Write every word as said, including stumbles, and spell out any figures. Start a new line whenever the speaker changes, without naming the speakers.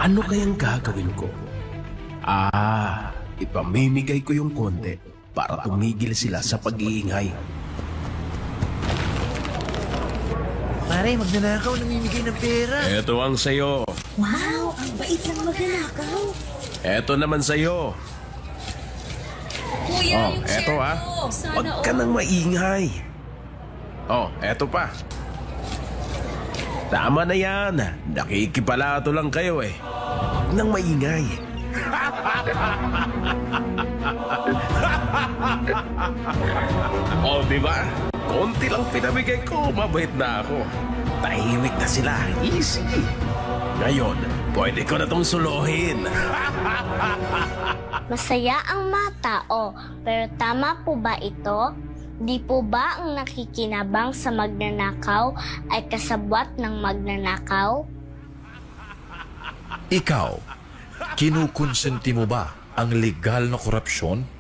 Ano kayang gagawin ko? Ah, ipamimigay ko yung konti para tumigil sila sa pag-iingay.
Pare, magnanakaw, namimigay ng pera.
Eto ang sayo.
Wow, ang bait ng magnanakaw.
Eto naman sayo.
Kuya,
Oh,
yung
eto
share
ah.
ko. Sana
Huwag ka
all.
nang maingay. Oh, eto pa. Tama na yan. Nakikipalato lang kayo eh. Huwag nang maingay. Oh, di ba? Konti lang pinamigay ko, mabait na ako. Tahimik na sila, easy. Ngayon, pwede ko na tong suluhin.
Masaya ang mga tao, pero tama po ba ito? Di po ba ang nakikinabang sa magnanakaw ay kasabwat ng magnanakaw?
Ikaw, kinukonsenti mo ba ang legal na korupsyon?